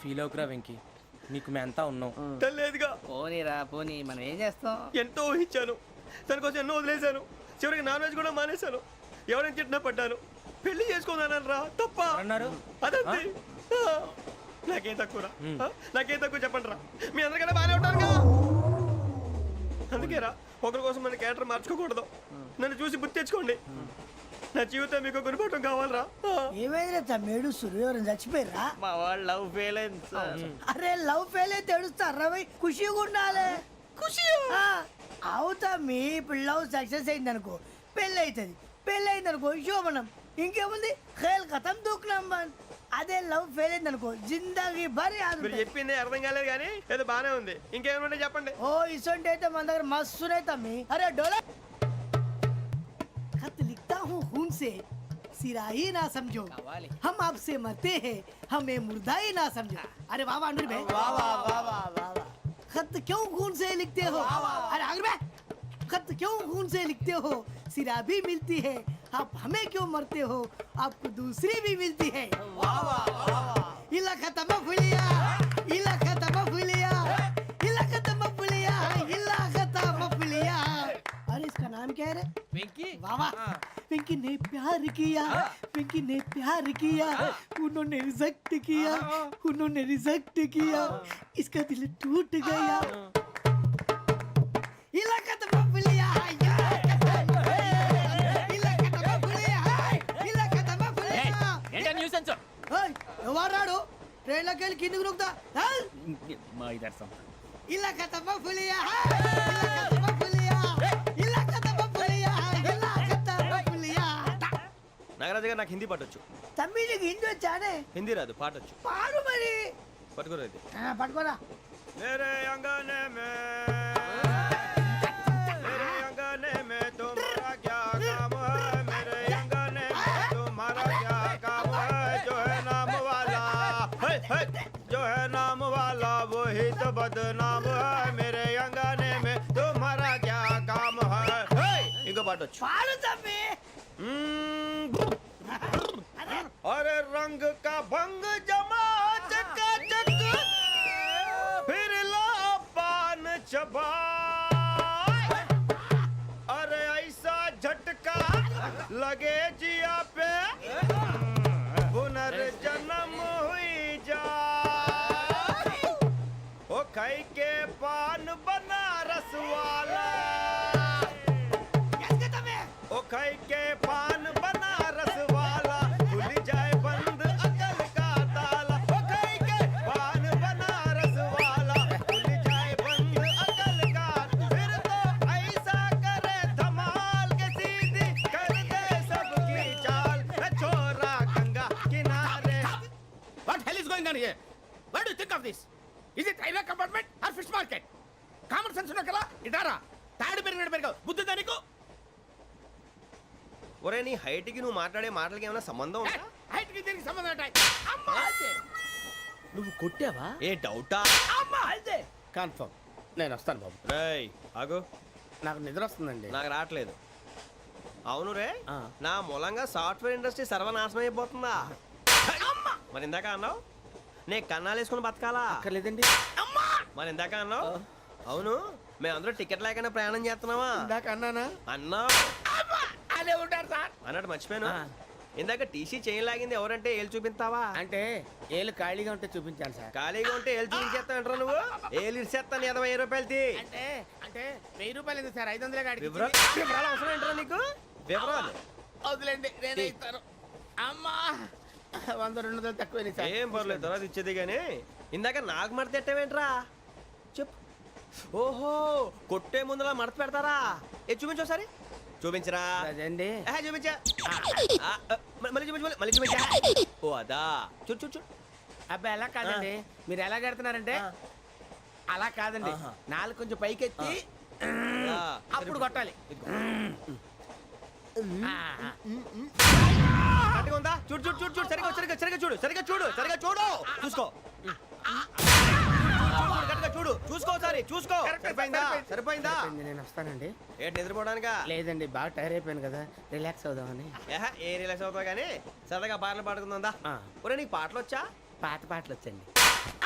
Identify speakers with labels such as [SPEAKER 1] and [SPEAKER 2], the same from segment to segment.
[SPEAKER 1] Feel అవుకురా Venky, నీకు మేమంతా ఉన్నాం.
[SPEAKER 2] తెలియదుగా.
[SPEAKER 3] పోనీరా పోనీ, మనం ఏం చేస్తాం?
[SPEAKER 2] ఎంతో ఊహించాను, దానికోసం ఎన్నో వదిలేశాను, చివరికి నాన్ వెజ్ కూడా మానేశాను. ఎవరైనా తిట్టినా పడ్డాను, పెళ్లి చేసుకున్నాను రా. తప్ప
[SPEAKER 1] అన్నారు
[SPEAKER 2] అదంతే. నాకేం తక్కువ, నాకేం తక్కువ చెప్పండి రా. మీ అందరికన్నా బాగానే ఉంటారుగా. అందుకేరా ఒకరి కోసం మన క్యారెక్టర్ మార్చుకోకూడదు. నన్ను చూసి గుర్తు తెచ్చుకోండి. నా జీవితం మీకు గురిపటం కావాలరా.
[SPEAKER 4] ఏమైందిరా తమ్మేడు సూర్యవరం చచ్చిపోయిరా?
[SPEAKER 3] మా వాళ్ళు లవ్ ఫెయిల్ అయింది సార్.
[SPEAKER 4] అరే లవ్ ఫెయిల్ అయితే ఏడుస్తారా? ఖుషిగా ఉండాలి. ఖుషి అవుతా. మీ ఇప్పుడు లవ్ సక్సెస్ అయింది అనుకో, పెళ్ళి అవుతుంది. పెళ్ళి అయింది అనుకో శోభనం. ఇంకేముంది, ఖేల్ కథం దూకునాం బాన్. అదే లవ్ ఫెయిల్ అయింది అనుకో జిందాగీ భారీ.
[SPEAKER 2] మీరు చెప్పింది అర్థం కాలేదు కానీ ఏదో బానే ఉంది. ఇంకేమైనా చెప్పండి.
[SPEAKER 4] ఓ ఇసొంటి అయితే మన దగ్గర మస్తునే తమ్మి. అరే డోలా खत लिखता हूँ खून से, सिरा ही ना समझो, हम आपसे मरते हैं, हमें मुर्दा ही ना समझो. अरे वाह वाह अनुर भाई, वाह वाह वाह वाह वाह. खत क्यों खून से लिखते हो? अरे अनुर भाई, खत क्यों खून से लिखते हो? सिरा भी मिलती है, आप हमें क्यों मरते हो? आपको दूसरी भी मिलती है. वाह वाह वाह. इला खत्म फुलिया, इला खत्म फुलिया, इला खत्म फुलिया, इला खत्म फुलिया. अरे इसका नाम क्या है रे?
[SPEAKER 1] వెంకీ.
[SPEAKER 4] वाह वाह. पिंकी ने प्यार किया, पिंकी ने प्यार किया, उन्होंने रिजेक्ट किया, उन्होंने रिजेक्ट किया, इसका दिल टूट गया. इलाका तो बबलिया है, इलाका तो बबलिया है, इलाका तो बबलिया.
[SPEAKER 3] ఏంటా న్యూసెన్స్?
[SPEAKER 4] ओए ఎవరాడు ట్రైన్ లోకి వెళ్ళి కిందకి నొక్కుతా.
[SPEAKER 3] మా ఇదర్సం.
[SPEAKER 4] इलाका तो बबलिया है, इलाका तो बबलिया, इलाका तो बबलिया, इलाका तो बबलिया.
[SPEAKER 2] నాగరాజు గారు, నాకు హిందీ పాటొచ్చు.
[SPEAKER 4] తమ్మి నీకు హిందీ వచ్చానే?
[SPEAKER 2] హిందీ రాదు, పాటొచ్చు.
[SPEAKER 4] పాడు మరి.
[SPEAKER 2] పట్టుకోరు అయితే.
[SPEAKER 4] పట్టుకోరా.
[SPEAKER 2] मेरे अंगने में, मेरे अंगने में तुम्हारा क्या काम है? मेरे अंगने में तुम्हारा क्या काम है? जो है नाम वाला, जो है नाम वाला वही तो बदनाम है. मेरे अंगने में तुम्हारा क्या काम है? इनको पाटो.
[SPEAKER 4] పాడు తమ్మి.
[SPEAKER 2] अरे रंग का भंग जमा चकाचक, फिर ला पान चबा. अरे ऐसा झटका लगे जिया पे, पुनर्जन्म हुई जा. ओ खाई के पान बनारस वाला, ओ खाई के पान बनारस वाला, खुल जाए बंद अकल का ताला. ओ खाई के पान बनारस वाला, खुल जाए बंद अकल का. फिर तो ऐसा करे धमाल के सीधी कर दे सबकी चाल. छोरा गंगा किनारे.
[SPEAKER 5] What hell is going on here? What do you think of this? Is it railway compartment or fish market? Common sense ఉన్న కదా ఇటారా. తాడు పెరిగావు బుద్ధి దానికి.
[SPEAKER 2] ఒరే నీ హైట్ కి నువ్వు మాట్లాడే మాటలకి ఏమైనా సంబంధం ఉందా?
[SPEAKER 5] హైట్ కి దీనికి సంబంధం ఉంటాయి. అమ్మా
[SPEAKER 3] నువ్వు కొట్టావా?
[SPEAKER 2] ఏ డౌటా?
[SPEAKER 5] అమ్మా అయితే కన్ఫర్మ్. నేను వస్తాను బాబు.
[SPEAKER 2] రేయ్ ఆగు,
[SPEAKER 5] నాకు నిద్ర వస్తుందండి.
[SPEAKER 2] నాకు రావట్లేదు. అవును రే, నా మూలంగా సాఫ్ట్వేర్ ఇండస్ట్రీ సర్వనాశనం అయిపోతుందా? మరి ఇందాక అన్నావు నే కన్నాలు వేసుకుని బతకాలా?
[SPEAKER 5] అక్కర్లేదండి.
[SPEAKER 2] మరి ఇందాక అన్నావు అవును మేమందరూ టికెట్ లేకుండా ప్రయాణం చేస్తున్నావా?
[SPEAKER 5] ఇందాక అన్నానా?
[SPEAKER 2] అన్నావు.
[SPEAKER 5] అదే ఉంటారు సార్.
[SPEAKER 2] అన్నట్టు మర్చిపోయాను, ఇందాక టీసీ చేయి లాగింది ఎవరంటే ఏళ్ళు చూపిస్తావా?
[SPEAKER 5] అంటే ఏళ్ళు ఖాళీగా ఉంటే చూపించాలి సార్.
[SPEAKER 2] ఖాళీగా ఉంటే ఏళ్ళు చూపించేస్తానంటారా నువ్వు? ఏళ్ళు ఇచ్చేస్తాను 20 రూపాయలది.
[SPEAKER 5] అంటే అంటే 1000 రూపాయలు ఎందుకు సార్? 500 కాడికి
[SPEAKER 2] వివరాలు అవసరం ఏంటరా నీకు? వివరాలు
[SPEAKER 5] వదిలేండి, నేనే ఇస్తాను. అమ్మా 100 200 తక్కువ సార్.
[SPEAKER 2] ఏం పర్లేదు, తర్వాత ఇచ్చేది. కానీ ఇందాక నాకు మడత ఎట్టవేంట్రా చెప్పు. ఓహో, కొట్టే ముందులా మడత పెడతారా? ఏ చూపించు ఒకసారి. చూపించరా?
[SPEAKER 5] అదండి.
[SPEAKER 2] చూపించా. మళ్ళీ చూపించు, మళ్ళీ చూపించా. ఓ అదా, చూడు చూడు చూడు.
[SPEAKER 5] అబ్బాయి ఎలా కాదండి, మీరు ఎలా కడుతున్నారంటే అలా కాదండి. నాలుగు కొంచెం పైకెత్తి అప్పుడు కొట్టాలి.
[SPEAKER 2] కరెక్ట్గా ఉందా? చూడు చూడు చూడు చూడు. సరిగా సరిగా సరిగా చూడు, సరిగా చూడు, సరిగా చూడు. చూసుకో, కరెక్ట్గా చూడు, చూసుకో సారి చూసుకో. సరిపోయిందా? సరిపోయిందా?
[SPEAKER 5] నేను వస్తానండి.
[SPEAKER 2] ఏంటి నిద్రపోవడానికా?
[SPEAKER 5] లేదండి, బాగా టైర్ అయిపోయాను కదా, రిలాక్స్ అవుదామని.
[SPEAKER 2] ఏ రిలాక్స్ అవుతావు కానీ సరదాగా పాటలు పాడుకుందా? ఒరే నీకు పాటలు వచ్చా?
[SPEAKER 5] పాత పాటలు వచ్చండి.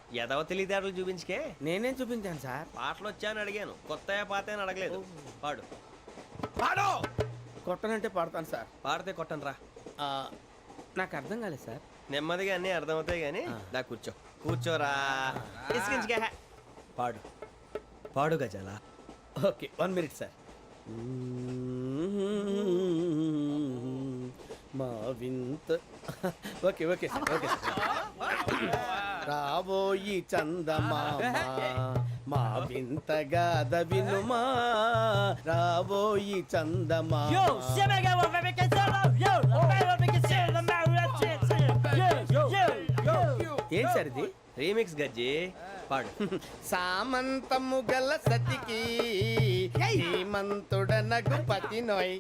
[SPEAKER 2] ఎదవ తెలివితేటలు చూపించుకే.
[SPEAKER 5] నేనేం చూపించాను సార్?
[SPEAKER 2] పాటలు వచ్చా అని అడిగాను, కొత్త పాత అని అడగలేదు. పాడు.
[SPEAKER 5] పాడు. కొట్టనంటే పాడతాను సార్.
[SPEAKER 2] పాడితే కొట్టను రా.
[SPEAKER 5] ఆ, నాకు అర్థం కాలేదు సార్.
[SPEAKER 2] నెమ్మదిగా అన్నీ అర్థమవుతాయి కానీ దా కూర్చో. కూర్చోరా. ఇసుకించుకే. పాడు. పాడు గజాల.
[SPEAKER 5] Okay 1 minute sir. మా వింత okay okay sir okay sir. రాబోయి చందమామ మా వింతగా వినుమా, రాబోయి చందమామ. ఏం సార్ ఇది?
[SPEAKER 2] రీమిక్స్ గజ్జి. పాడు.
[SPEAKER 5] సామంతము గల సతికి హేమంతుడనగు పతి నోయ్.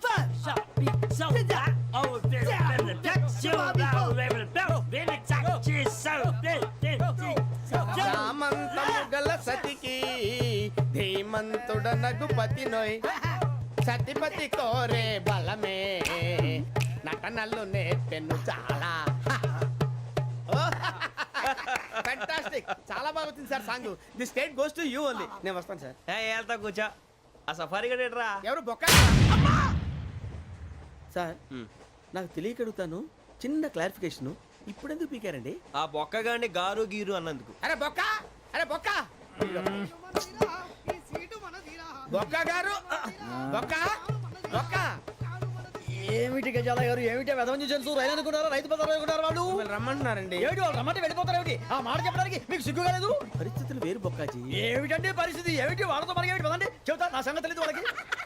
[SPEAKER 5] సామంతము గల సతికి ధీమంతుడనగు పతి నోయ్. సతిపతి కోరే బలమే నటనలు నేర్పెను చాలా. ఫ్యాంటాస్టిక్, చాలా బాగా వచ్చింది sir song. The state goes to you only. నేను వస్తాను సార్.
[SPEAKER 2] వెళ్తా కూర్చో. ఆ సఫారీ గడేట్రా.
[SPEAKER 5] ఎవరు బొక్క సార్? నాకు తెలియక అడుగుతాను, చిన్న క్లారిఫికేషన్. ఇప్పుడు ఎందుకు పీకారండి?
[SPEAKER 2] ఆ బొక్కగాండి గారు గీరు అన్నందుకు.
[SPEAKER 5] అరే బొక్క, అరే బొక్క, బొక్క గారు, బొక్క బొక్క.
[SPEAKER 3] ఏమిటి గజాల గారు, ఏమిటి వెదవని జంతువు రైలు అనుకున్నారా, రైతు బజార్ అనుకున్నారు వాళ్ళు?
[SPEAKER 5] మిమ్మల్ని రమ్మంటున్నారండి.
[SPEAKER 3] ఏమిటి వాళ్ళు రమ్మంటే వెళ్ళిపోతారు ఏమిటి? ఆ మాట చెప్పడానికి మీకు సిగ్గు కాలేదు?
[SPEAKER 5] పరిస్థితులు వేరు బొక్కాజీ.
[SPEAKER 3] ఏమిటంటే పరిస్థితి, ఏమిటి వాళ్ళతో మనకి ఏమిటి పదండి చెబుతా, నా సంగతి తెలియదు వాళ్ళకి.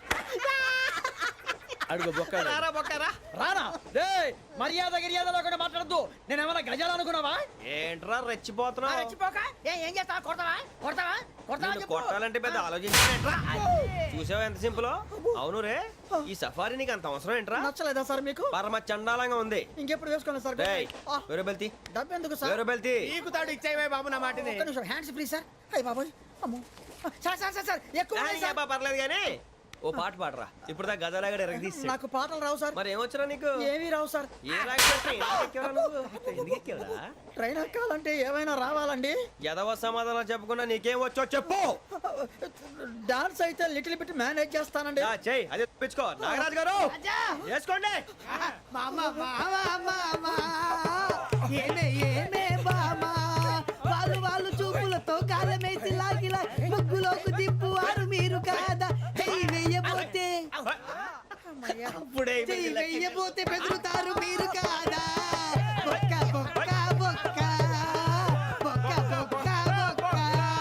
[SPEAKER 5] అడుగు బొక్క.
[SPEAKER 2] రారా బొక్కరా.
[SPEAKER 3] రానా రే, మర్యాద గిర్యాద లేకుండా మాట్లాడద్దు. నేను ఏమైనా గజాలు అనుకున్నావా?
[SPEAKER 2] ఏంట్రా రెచ్చిపోతున్నావు?
[SPEAKER 3] రెచ్చిపోక ఏం చేస్తావా? కొడతావా కొడతావా కొడతావా
[SPEAKER 2] నిన్ను
[SPEAKER 3] చెప్పు.
[SPEAKER 2] కొట్టాలంటే పెద్ద ఆలోచించానేంట్రా. చూసావా ఎంత సింపుల్. అవును రే, ఈ సఫారీ నీకు అంత అవసరం ఏంట్రా?
[SPEAKER 3] నచ్చలేదా సార్ మీకు?
[SPEAKER 2] పరమ చండాలంగా ఉంది.
[SPEAKER 3] ఇంకెప్పుడు వేసుకోండి సార్.
[SPEAKER 2] డేయ్, వేరే బెల్తి,
[SPEAKER 3] డబ్బు ఎందుకు సార్?
[SPEAKER 2] వేరే బెల్తి.
[SPEAKER 5] నీకు తాడు ఇచ్చేవే బాబు నా మాటని.
[SPEAKER 3] ఒక్క నిమిషం, హ్యాండ్స్ ఫ్రీ సార్. అయ్యి బాబోయ్, అమ్మో. సార్ సార్ సార్ సార్ ఎక్కువ ఉన్నాయి సార్.
[SPEAKER 2] పర్లేదు కానీ ఓ పాట పాడరా. ఇప్పుడు దా గదలాగడ ఎరగదీసి.
[SPEAKER 3] నాకు పాటలు రావు సార్.
[SPEAKER 2] మరి ఏమొచ్చరా నీకు?
[SPEAKER 3] ఏమీ రావు సార్.
[SPEAKER 2] ఏ ఎందుకు ఎక్కేవరా?
[SPEAKER 3] ట్రైన్ ఎక్కాలంటే ఏమైనా రావాలండి.
[SPEAKER 2] ఎదవ సమాధానం చెప్పకుండా నీకేం వచ్చో చెప్పు.
[SPEAKER 3] డాన్స్ అయితే లిటిల్ బిట్ మేనేజ్ చేస్తానండి.
[SPEAKER 2] చెయ్యి, అదే తెప్పించుకో. నాగరాజు గారు వేసుకోండి.
[SPEAKER 4] మామా మామా మామా ఏమే ఏమే బామా, వాళ్ళు వాళ్ళు చూపులతో కాలమేసి లాగిలా ముగ్గులోకి దిప్పువారు మీరు కాదా? చెయ్యి వెయ్యబోతే
[SPEAKER 5] అప్పుడే
[SPEAKER 4] చెయ్యి వెయ్యబోతే బెదురుతారు మీరు కాదా? బొక్క బొక్క బొక్క బొక్క బొక్క బొక్క.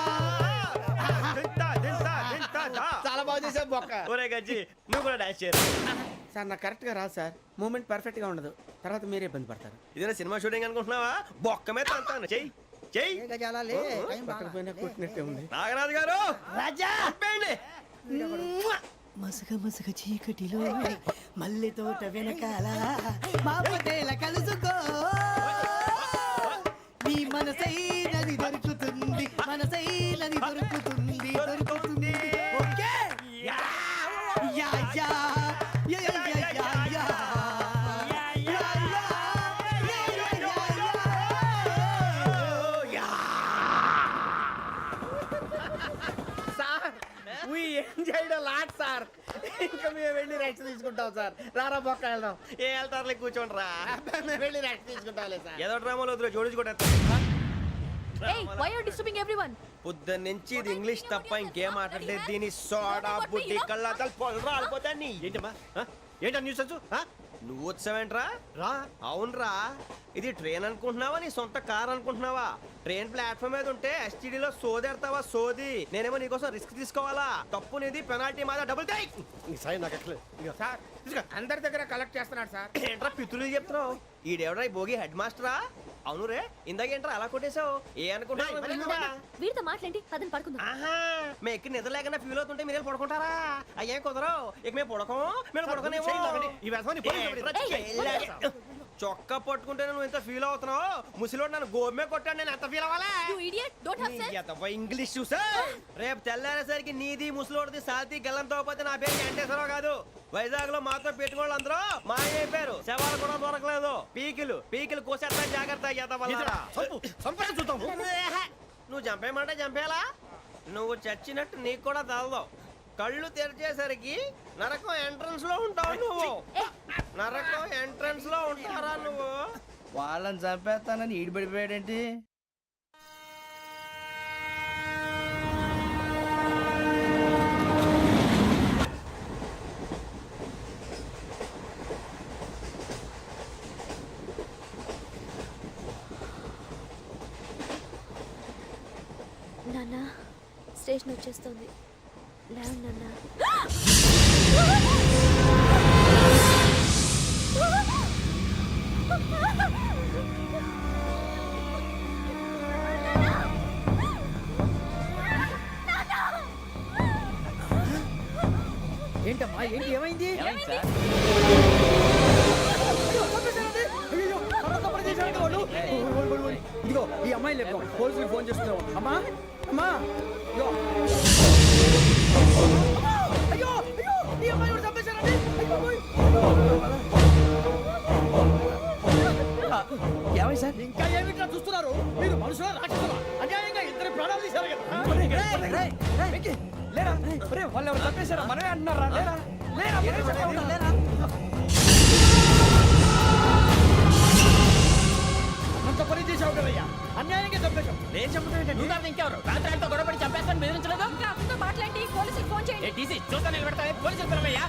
[SPEAKER 5] చాలా బాగా చేసావు బొక్క.
[SPEAKER 2] ఒరే గజ్జి, నువ్వు కూడా డాన్స్ చేయరు.
[SPEAKER 5] సార్ నాకు కరెక్ట్ గా రాదు సార్. మూమెంట్ పర్ఫెక్ట్ గా ఉండదు, తర్వాత మీరే ఇబ్బంది పడతారు.
[SPEAKER 2] ఇదేనా సినిమా షూటింగ్ అనుకుంటున్నావా? బొక్క మీద అంటాను. చెయ్యి చెయ్యి.
[SPEAKER 3] ఏ గజాలాలే, టైం బాగా.
[SPEAKER 5] పక్కన పోయినా కొట్టినట్టే ఉంది.
[SPEAKER 2] నాగరాజు గారు
[SPEAKER 4] రాజా
[SPEAKER 2] ఆపేయండి.
[SPEAKER 4] మసగ మసగ చీకటిలో మల్లె తోట వెనకాల మా పటేల కలుసుకో, నీ మనసైనది దొరుకుతుంది, మనసైనది దొరుకుతుంది దొరుకుతుంది. Okay ya ya ya ya ya ya ya.
[SPEAKER 5] Sir we enjoyed a lot sir. ఇంకా మేము వెళ్ళి రెస్ట్ తీసుకుంటాం సార్. రారా బొక్క వెళ్దాం.
[SPEAKER 2] ఏ వెళ్తారులే, కూర్చోండి రా.
[SPEAKER 5] మేము వెళ్ళి రెస్ట్ తీసుకుంటాంలే సార్.
[SPEAKER 2] ఏదో డ్రామాలో వద్దులే, జోడించుకుంటా.
[SPEAKER 6] Hey, why are you disturbing everyone?
[SPEAKER 2] పొద్దున్న నుంచి ఇది ఇంగ్లీష్ తప్ప ఇంకేం మాట్లాడలేదు. దీని సోడా బుడ్డి కళ్ళతలు పొలరా అల్పోతాన్ని. ఏంటమ్మా ఏంటా న్యూస్ వచ్చు? నువ్వు వచ్చావేంట్రా? రా. అవునరా, ఇది ట్రైన్ అనుకుంటున్నావా, నీ సొంత కార్ అనుకుంటున్నావా? ట్రైన్ ప్లాట్ఫామ్ మీద ఉంటే ఎస్టీడీలో సోదేడతావా సోది. నేనేమో నీకోసం రిస్క్ తీసుకోవాలా? తప్పు నీది, పెనాల్టీ మాదా, డబుల్ టై. సాయి నాకు ఎట్లేదు
[SPEAKER 5] సార్ అందరి దగ్గర కలెక్ట్ చేస్తున్నాడు సార్.
[SPEAKER 2] ఏంట్రా పితులు చెప్తున్నావు? ఈడెవడ్రా ఈ భోగి హెడ్ మాస్టరా? అవును రే, ఇందాకేంట్రా అలా కొట్టేశావు? ఏ అనుకుంటున్నా?
[SPEAKER 6] వీరితో మాట్లాడి అతను పడుకుందాం.
[SPEAKER 2] ఆహా, మేము ఎక్కడ నిద్ర లేకుండా ఫీల్ అవుతుంటే మీరు పడుకుంటారా? అయ్యేం కుదరవు. ఇక మేము పడకం, మేము పడకనేమో.
[SPEAKER 5] ఈ వ్యసనాన్ని పోలీసులు
[SPEAKER 2] చొక్కా పట్టుకుంటే నువ్వు ఎంత ఫీల్ అవుతున్నావు? ముసలివాడు నన్ను గోమే కొట్టాడు, నేను ఎంత ఫీల్ అవ్వాలా?
[SPEAKER 6] You idiot! Don't have sense!
[SPEAKER 2] English చూసా? రేపు తెల్లారేసరికి నీది ముసలోడిది సాతి గల్లంతో పోతే నా పేరు వెంకటేశ్వరరావు కాదు. వైజాగ్ లో మాతో పెట్టుకోళ్ళు అందరూ మాయైపోయారు. శవాలు కూడా దొరకలేదు. పీకిలు కోసేస్తా, జాగ్రత్త. నువ్వు చంపేయమంటే చంపేలా? నువ్వు చచ్చినట్టు నీకు కూడా తగదు. కళ్ళు తెరిచేసరికి నరకం ఎంట్రన్స్ లో ఉంటావు నువ్వు. నరకం ఎంట్రన్స్ లో ఉంటారా నువ్వు?
[SPEAKER 3] వాళ్ళని చంపేస్తానని ఈడిపడిపోయాడేంటి?
[SPEAKER 6] నాన్న స్టేషన్ వచ్చేస్తుంది. లేవు నాన్న.
[SPEAKER 3] ఏంటమ్మా ఏంటి ఏమైంది? ఇదిగో ఈ అమ్మాయి లేదు, పోలీసులకు ఫోన్ చేస్తున్నావు. అమ్మా అమ్మా ఇదిగో. అయ్యో అయ్యో ఈ అమ్మాయి కూడా చంపేశారండి. ఏమై సార్? ఇంకా ఏమిట్లా చూస్తున్నారు? మీరు మనుషుల రాక్షసులా? అన్యాయంగా ఇద్దరు ప్రాణాలు తీశారు కదా. లేరా వాళ్ళు ఎవరు చంపేశారా? మనమే అంటున్నారా? లేరా లేరా అంత పని చేసావు కదయ్యా, అన్యాయంగా చంపేశావు. నేను చంపడం
[SPEAKER 5] నువ్వు ఇంకెవరు రాత్రి గొడవపడి చంపేస్తాను బెదిరించలేదు.
[SPEAKER 6] ఇంకా అతనితో మాట్లాడి పోలీసులకు ఫోన్ చేయండి.
[SPEAKER 5] టీసీ చూస్తా నిలబెడతా పోలీసులు పిలవయ్యా.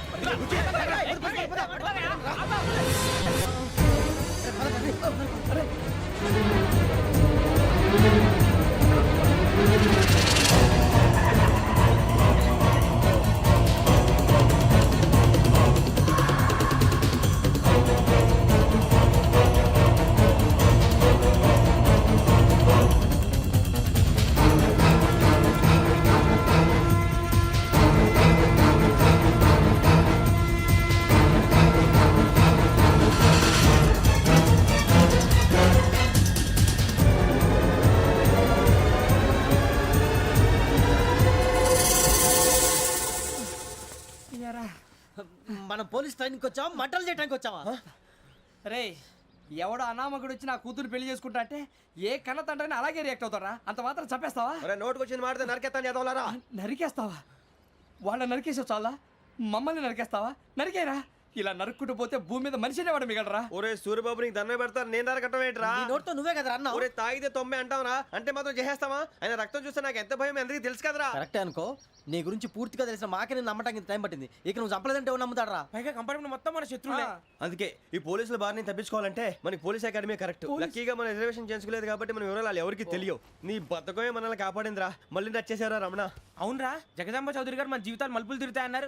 [SPEAKER 3] మనం పోలీస్ ట్రైనింగ్కి వచ్చావా, మంటలు చేయడానికి వచ్చావా?
[SPEAKER 7] రే ఎవడో అనామకుడు వచ్చి నా కూతురు పెళ్లి చేసుకుంటా అంటే ఏ కన్న తండ్రిని అలాగే రియాక్ట్ అవుతారా? అంత మాత్రం చంపేస్తావా?
[SPEAKER 2] నోటుకు వచ్చింది మాడితే నరికెత్తాను చదవాలరా.
[SPEAKER 7] నరికేస్తావా? వాళ్ళ నరికేసావు చాలా, మమ్మల్ని నరికేస్తావా? నరికేరా. ఇలా నరుక్కుంటూ పోతే భూమి మీద మనిషినే వాడు మిగలరా.
[SPEAKER 2] ఒరే సూర్యబాబు నీకు దండ పెడతాను, నేను నరకటం ఏంట్రా?
[SPEAKER 3] నోటితో నువ్వే కదా అన్నావు.
[SPEAKER 2] ఒరే తాగితే తొమ్మే అంటావరా? అంటే మాత్రం చేసేస్తావా? ఆయన రక్తం చూస్తే నాకు ఎంత భయం అందరికీ తెలుసు కదరా.
[SPEAKER 3] కరెక్టే అనుకో, నీ గురించి పూర్తిగా తెలిసిన మాకే నేను నమ్మటానికి ఇంత టైం పట్టింది. ఇక నువ్వు చంపలేదంటే ఎవరు నమ్ముతాడరా?
[SPEAKER 1] పైగా కంపార్ట్మెంట్ మొత్తం మన శత్రువులే.
[SPEAKER 2] అందుకే ఈ పోలీసుల బారిని తప్పించుకోవాలంటే మనకి పోలీస్ అకాడమీ కరెక్ట్. లక్కీగా మన రిజర్వేషన్ చేసుకోలేదు కాబట్టి మన వివరాలు ఎవరికి తెలియవు. నీ బతకమే మనల్ని కాపాడిందిరా. మళ్ళీ నచ్చేసారా రమణ?
[SPEAKER 1] అవునరా, జగదాంబ చౌదరి గారు మన జీవితాలు మలుపులు తిరుగుతాయన్నారు.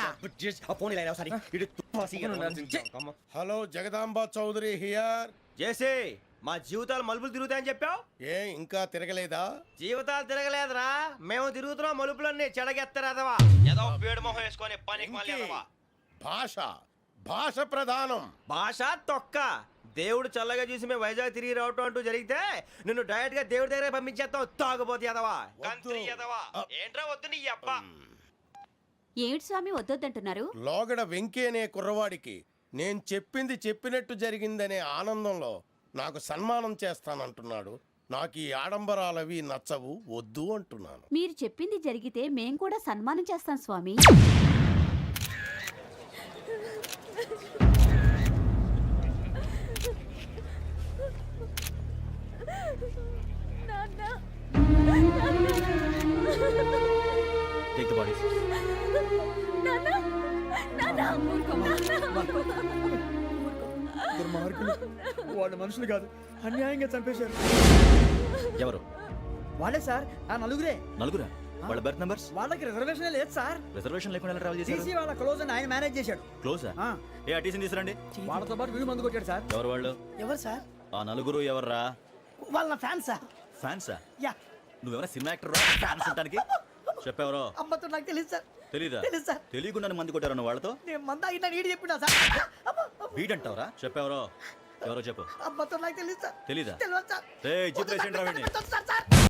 [SPEAKER 8] Hello Jagadamba Chowdary here.
[SPEAKER 2] చేసే మా జీవితాలు మలుపులు తిరుగుతాయని చెప్పావు.
[SPEAKER 8] ఏ ఇంకా తిరగలేదా?
[SPEAKER 2] జీవితాలు తిరగలేదురా, మేము తిరుగుతున్నాం మలుపులన్నీ. చెడగెత్తరాదవా ఏదో పేడు మొహం వేసుకొని పనికి మాలేదవా.
[SPEAKER 8] భాష ప్రధానం.
[SPEAKER 2] భాష తొక్క. దేవుడు చల్లగా చూసి మేము వైజాగ్ తిరిగి రావటం అంటూ జరిగితే నిన్ను డైరెక్ట్ గా దేవుడి దగ్గర పంపించేస్తావు. తాగుబోతు ఎదవా, కంత్రి ఎదవా. ఏంట్రా వద్దు నీ అబ్బా.
[SPEAKER 9] ఏమిటి స్వామి వద్దొద్దంటున్నారు?
[SPEAKER 8] లోగడ వెంకీ అనే కుర్రవాడికి నేను చెప్పింది చెప్పినట్టు జరిగిందనే ఆనందంలో నాకు సన్మానం చేస్తానంటున్నాడు. నాకు ఈ ఆడంబరాలవి నచ్చవు, వద్దు అంటున్నాను.
[SPEAKER 9] మీరు చెప్పింది జరిగితే మేం కూడా సన్మానం చేస్తాం స్వామి.
[SPEAKER 2] Take the bodies.
[SPEAKER 3] వాళ్ళు మనుషులు కాదు, అన్యాయంగా చంపేశారు.
[SPEAKER 10] ఎవరు?
[SPEAKER 3] వాళ్ళే సార్, ఆ నలుగురే.
[SPEAKER 10] నలుగురా? వాళ్ళ బర్త్ నంబర్స్?
[SPEAKER 3] వాళ్ళకి రిజర్వేషన్ లేదు సార్.
[SPEAKER 10] రిజర్వేషన్ లేకుండా ఎలా ట్రావెల్ చేశారు?
[SPEAKER 3] టీసీ వాళ్ళ క్లోజ్ అని ఆయన మేనేజ్ చేశాడు.
[SPEAKER 10] క్లోజా?
[SPEAKER 3] ఆ.
[SPEAKER 10] ఏ ఆ టీసీని తీసుకురండి.
[SPEAKER 3] వాళ్ళతో పాటు వీళ్ళు మందు కొట్టాడు సార్.
[SPEAKER 10] ఎవరు వాళ్ళు?
[SPEAKER 4] ఎవరు సార్?
[SPEAKER 10] ఆ నలుగురు ఎవర్రా?
[SPEAKER 4] వాళ్ళ ఫ్యాన్ సార్.
[SPEAKER 10] ఫ్యాన్సా?
[SPEAKER 4] యా.
[SPEAKER 10] నువ్వెవరా సినిమా యాక్టర్ ఫ్యాన్స్ అంటానికి? చెప్పెవరో?
[SPEAKER 4] అమ్మతో నాకు తెలియదు సార్.
[SPEAKER 10] తెలీదా?
[SPEAKER 4] తెలుసు సార్.
[SPEAKER 10] తెలియకుండా మంది కొట్టారన్న వాళ్ళతో?
[SPEAKER 4] నేను మంద అయినా నీడి చెప్పినా సార్.
[SPEAKER 10] వీడంటావరా? చెప్పెవరో? ఎవరో చెప్పు
[SPEAKER 4] అబ్బతో నాకు తెలియదు సార్
[SPEAKER 10] తెలీదా
[SPEAKER 4] తెలియదు సార్
[SPEAKER 10] రే జీప్
[SPEAKER 4] వద్దు సార్,
[SPEAKER 10] రేషన్ రా వీడిని.
[SPEAKER 4] వద్దు సార్, సార్